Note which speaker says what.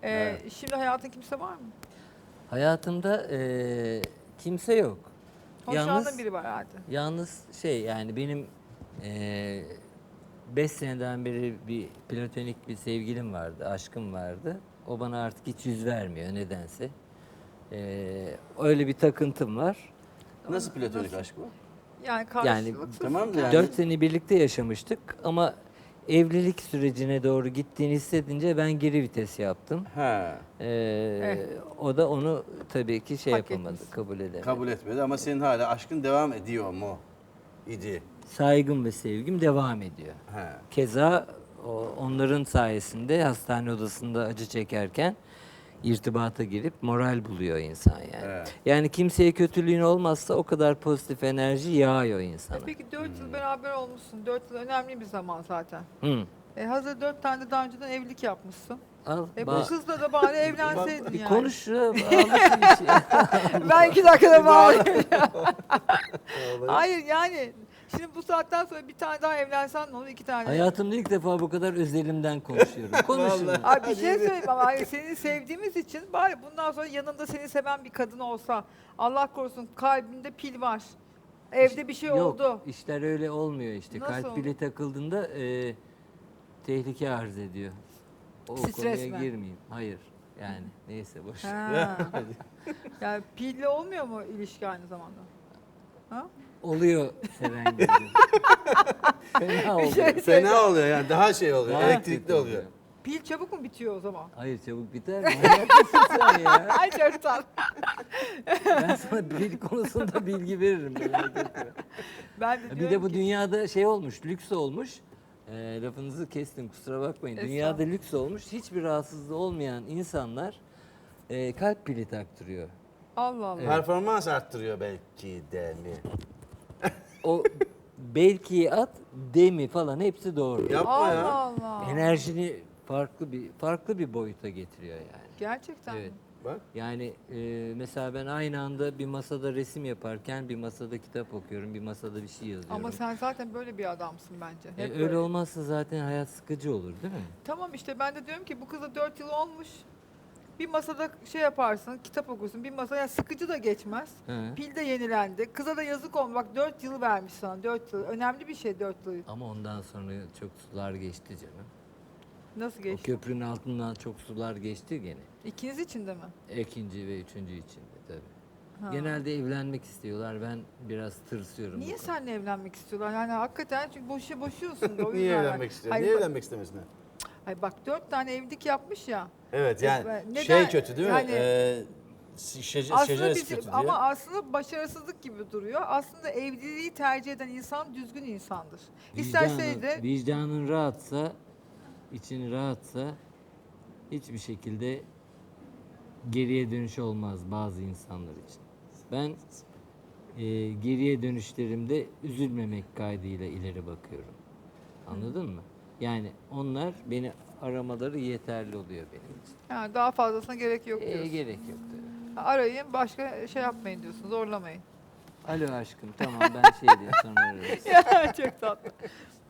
Speaker 1: Şimdi hayatın kimse var mı?
Speaker 2: Hayatımda kimse yok.
Speaker 1: Hoşlandığın biri var herhalde.
Speaker 2: Yalnız şey yani benim 5 seneden beri bir platonik bir sevgilim vardı, aşkım vardı. O bana artık hiç yüz vermiyor nedense. Öyle bir takıntım var.
Speaker 3: Nasıl platonik aşk bu?
Speaker 1: Yani
Speaker 2: Yani
Speaker 1: karşılıksız.
Speaker 3: Tamam da yani
Speaker 2: 4 sene birlikte yaşamıştık ama evlilik sürecine doğru gittiğini hissedince ben geri vites yaptım.
Speaker 3: ha,
Speaker 2: O da onu tabii ki şey
Speaker 1: Hak
Speaker 2: yapamadı,
Speaker 1: etmişsin.
Speaker 2: kabul edemedi.
Speaker 3: kabul etmedi ama senin hala aşkın devam ediyor mu? İdi.
Speaker 2: Saygım ve sevgim devam ediyor.
Speaker 3: Ha.
Speaker 2: Keza onların sayesinde hastane odasında acı çekerken irtibata girip moral buluyor insan yani.
Speaker 3: Evet.
Speaker 2: Yani kimseye kötülüğün olmazsa o kadar pozitif enerji yağıyor insana.
Speaker 1: Peki 4 yıl beraber olmuşsun. 4 yıl önemli bir zaman zaten.
Speaker 2: Hı.
Speaker 1: Hazır 4 tane de daha önceden evlilik yapmışsın.
Speaker 2: Al,
Speaker 1: Bu kızla da bari evlenseydin
Speaker 2: bir
Speaker 1: yani.
Speaker 2: konuş ya, almışsın bir şey.
Speaker 1: Ben 2 dakikada bağlayayım. Hayır yani. Şimdi bu saatten sonra bir tane daha evlensen ne olur? 2 tane.
Speaker 2: Hayatımda ilk defa bu kadar özelimden konuşuyorum. Konuşun.
Speaker 3: Vallahi.
Speaker 1: Ay bir şey söyleyeyim ama ay seni sevdiğimiz için bari bundan sonra yanında seni seven bir kadın olsa. Allah korusun kalbinde pil var. Evde bir şey
Speaker 2: Yok,
Speaker 1: oldu.
Speaker 2: işler öyle olmuyor işte.
Speaker 1: Nasıl
Speaker 2: Kalp
Speaker 1: oldu?
Speaker 2: pili takıldığında tehlike arz ediyor. O
Speaker 1: Stres
Speaker 2: konuya
Speaker 1: mi?
Speaker 2: girmeyeyim. Hayır. Yani neyse boş.
Speaker 1: Ha. Yani pilli olmuyor mu ilişki aynı zamanda? Ha?
Speaker 2: Oluyor seven gibi. Fena oluyor.
Speaker 1: şey-
Speaker 3: Fena oluyor yani daha şey oluyor.
Speaker 2: Daha
Speaker 3: Elektrikli
Speaker 2: kötü
Speaker 3: oluyor.
Speaker 1: Pil çabuk mu bitiyor o zaman?
Speaker 2: Hayır çabuk biter mi? Manyak mısın sen ya?
Speaker 1: Ay çok tatlı.
Speaker 2: Ben sana bil konusunda bilgi veririm. Merak etme.
Speaker 1: Ben de
Speaker 2: Bir
Speaker 1: diyorum
Speaker 2: de bu
Speaker 1: ki,
Speaker 2: dünyada şey olmuş, lüks olmuş. Lafınızı kestim kusura bakmayın. Dünyada
Speaker 1: Estağfurullah.
Speaker 2: lüks olmuş. Hiçbir rahatsızlığı olmayan insanlar kalp pili taktırıyor.
Speaker 1: Allah Allah.
Speaker 3: Performans arttırıyor belki de mi?
Speaker 2: O belki at, demi falan hepsi doğru.
Speaker 3: Yapma
Speaker 1: Allah
Speaker 3: ya.
Speaker 1: Allah.
Speaker 2: Enerjini farklı bir boyuta getiriyor yani.
Speaker 1: Gerçekten
Speaker 2: Evet.
Speaker 1: mi?
Speaker 3: Bak.
Speaker 2: Yani mesela ben aynı anda bir masada resim yaparken bir masada kitap okuyorum, bir masada bir şey yazıyorum.
Speaker 1: Ama sen zaten böyle bir adamsın bence. Hep
Speaker 2: öyle
Speaker 1: böyle.
Speaker 2: olmazsa zaten hayat sıkıcı olur değil mi?
Speaker 1: Tamam işte ben de diyorum ki bu kıza 4 yıl olmuş. Bir masada şey yaparsın, kitap okursun. Bir masaya yani sıkıcı da geçmez.
Speaker 2: He.
Speaker 1: Pil de yenilendi. Kıza da yazık olmuş. Bak 4 yıl vermiş sana. 4 yıl. Önemli bir şey 4 yıl.
Speaker 2: Ama ondan sonra çok sular geçti canım.
Speaker 1: Nasıl
Speaker 2: O
Speaker 1: geçti?
Speaker 2: köprünün altından çok sular geçti gene.
Speaker 1: İkiniz için de mi?
Speaker 2: İkinci ve üçüncü içinde tabii.
Speaker 1: Ha.
Speaker 2: Genelde evlenmek istiyorlar. Ben biraz tırsıyorum.
Speaker 1: Niye
Speaker 2: bu konuda.
Speaker 1: seninle evlenmek istiyorlar? Yani hakikaten çünkü boşuyorsun da o
Speaker 3: Niye
Speaker 1: yüzden.
Speaker 3: evlenmek istiyor?
Speaker 1: Hayır,
Speaker 3: Niye
Speaker 1: bak-
Speaker 3: evlenmek istemesin?
Speaker 1: Hayır bak 4 tane evlilik yapmış ya.
Speaker 3: Evet yani
Speaker 1: Neden-
Speaker 3: şey kötü değil mi?
Speaker 1: yani-
Speaker 3: Şeceresi kötü diyor.
Speaker 1: Ama aslında başarısızlık gibi duruyor. Aslında evliliği tercih eden insan düzgün insandır. İsterseydi
Speaker 2: Vicdanın rahatsa, için rahatsa hiçbir şekilde geriye dönüş olmaz bazı insanlar için. Ben geriye dönüşlerimde üzülmemek kaydıyla ileri bakıyorum. Anladın mı? Yani onlar beni aramaları yeterli oluyor benim için.
Speaker 1: yani daha fazlasına gerek yok diyorsun.
Speaker 2: Gerek yok tabii.
Speaker 1: Arayın başka şey yapmayın diyorsun. Zorlamayın.
Speaker 2: Alo aşkım tamam ben şey diyeyim sonra ararız.
Speaker 1: Ya çok tatlı.